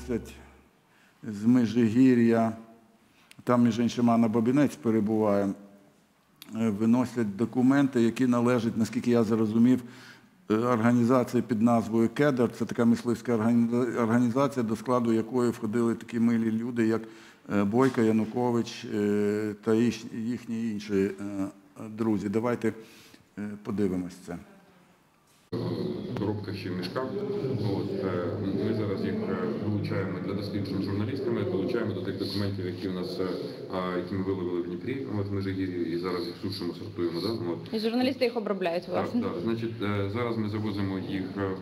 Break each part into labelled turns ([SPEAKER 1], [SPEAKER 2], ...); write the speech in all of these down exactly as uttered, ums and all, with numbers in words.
[SPEAKER 1] виносять з Межигір'я, там, між іншим, Анна Бабінець перебуває, виносять документи, які належать, наскільки я зрозумів, організації під назвою «Кедр». Це така мисливська організація, до складу якої входили такі милі люди, як Бойко, Янукович та їхні інші друзі. Давайте подивимось це.
[SPEAKER 2] Коробка ще в мішках. От, ми зараз їх долучаємо для досліджень журналістами, долучаємо до тих документів, які у нас, які ми виловили в Дніпрі, от, в Межигір'ї, і зараз їх сушимо, сортуємо. Да? От.
[SPEAKER 3] І журналісти їх обробляють, власне?
[SPEAKER 2] Так, так. Значить, зараз ми завозимо їх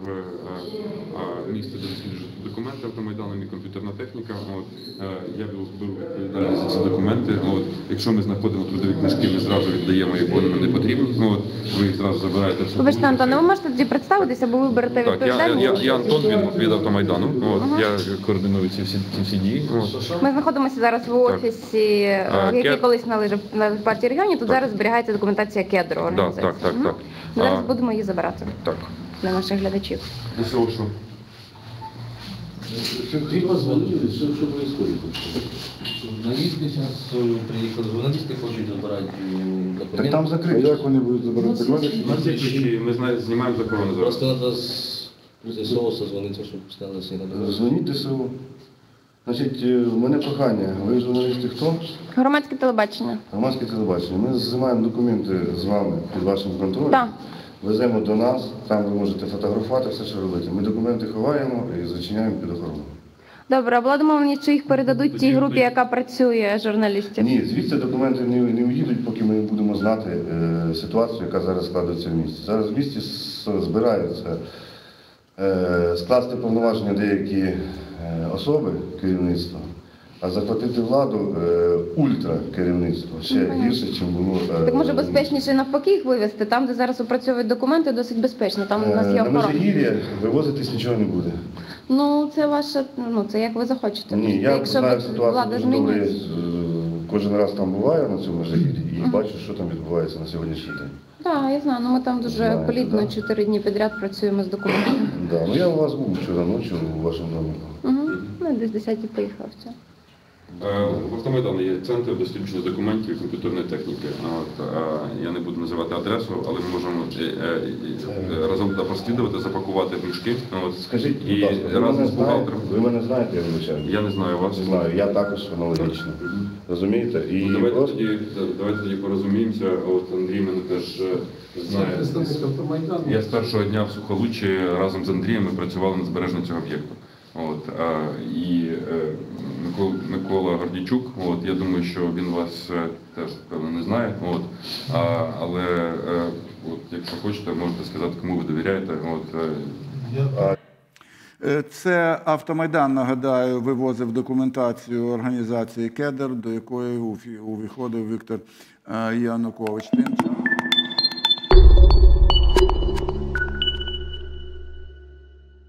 [SPEAKER 2] в місце, де досліджують документи автомайданом і комп'ютерна техніка. От. Я беру відповідальність за ці документи. От. Якщо ми знаходимо трудові книжки, ми зразу віддаємо їх, бо вони не потрібні. От. Ви їх зразу забираєте.
[SPEAKER 3] Вибачте, Антон, ви можете тоді представитися, бо ви берете відповідальність?
[SPEAKER 2] Так, я, я, я Антон від, від автомайдану. От, ага. Я координую ці всі, ці всі дії. От.
[SPEAKER 3] Ми знаходимося зараз в офісі, так. який Кед... колись належав партії регіонів. Тут так. зараз зберігається документація Кедру організації. Так, так, так, так. Зараз а... будемо її забирати так. для наших глядачів.
[SPEAKER 2] І що, що?
[SPEAKER 4] Три позвонили, что, что происходит? Журналисты сейчас приехали, журналисты хотят забрать документы.
[SPEAKER 5] Так там закрыто. А як вони будуть забирати документи?
[SPEAKER 2] Ми знімаємо захорону зараз.
[SPEAKER 4] Просто надо с ЗСО созвониться, щоб сказали, що надо.
[SPEAKER 5] Дзвоніть ДСУ. Значить, у мене прохання. Ви журналісти хто?
[SPEAKER 3] Громадське телебачення.
[SPEAKER 5] Громадське телебачення. Ми знімаємо документи з вами під вашим контролем.
[SPEAKER 3] Так.
[SPEAKER 5] Веземо до нас, там ви можете фотографувати, все, що робити. Ми документи ховаємо і зачиняємо під охорону.
[SPEAKER 3] Добре, а була домовленість, що їх передадуть тій групі, яка працює, журналістів?
[SPEAKER 5] Ні, звідси документи не, не уїдуть, поки ми не будемо знати е, ситуацію, яка зараз складається в місті. Зараз в місті збираються е, скласти повноваження деякі е, особи керівництва, а захватити владу е, ультра керівництво ще гірше, ніж було. Е,
[SPEAKER 3] так може безпечніше навпаки їх вивезти? Там, де зараз опрацьовують документи, досить безпечно. Там у нас є
[SPEAKER 5] е,
[SPEAKER 3] охорона.
[SPEAKER 5] На Межигір'я вивозитись нічого не буде.
[SPEAKER 3] Ну, це ваше, ну, це як ви захочете.
[SPEAKER 5] Ні, я
[SPEAKER 3] якщо
[SPEAKER 5] знаю ситуацію дуже добре, я кожен раз там буваю на цьому Межигір'ї і uh -huh. бачу, що там відбувається на сьогоднішній день.
[SPEAKER 3] Так, да, я знаю, ну ми там дуже Знаєте, плідно, чотири да. дні підряд працюємо з документами.
[SPEAKER 5] Так, да, ну я у вас був вчора ночі у вашому домі.
[SPEAKER 3] Угу. Ну, десь десятій поїхав. Все.
[SPEAKER 2] В Автомайдані є центр дослідження документів і комп'ютерної техніки. От, я не буду називати адресу, але ми можемо разом туди прослідувати, запакувати в мішки. От,
[SPEAKER 5] скажіть,
[SPEAKER 2] і
[SPEAKER 5] будь ласка,
[SPEAKER 2] разом з бухгалтером.
[SPEAKER 5] Ви мене знаєте, я вибачаю?
[SPEAKER 2] Я не знаю вас.
[SPEAKER 5] Не знаю, я також аналогічно. Розумієте? І
[SPEAKER 2] ну, давайте,
[SPEAKER 5] просто...
[SPEAKER 2] тоді, давайте тоді порозуміємося. От Андрій мене теж знає. Я з першого дня в Сухолуччі разом з Андрієм ми працювали над збереженням цього об'єкту. От, а, і е, Микола, Микола Гордійчук, от, я думаю, що він вас е, теж, певно, не знає, от, а, але е, от, якщо хочете, можете сказати, кому ви довіряєте. От,
[SPEAKER 1] е. Це Автомайдан, нагадаю, вивозив документацію організації «Кедр», до якої увіходив Віктор Янукович. Тим часом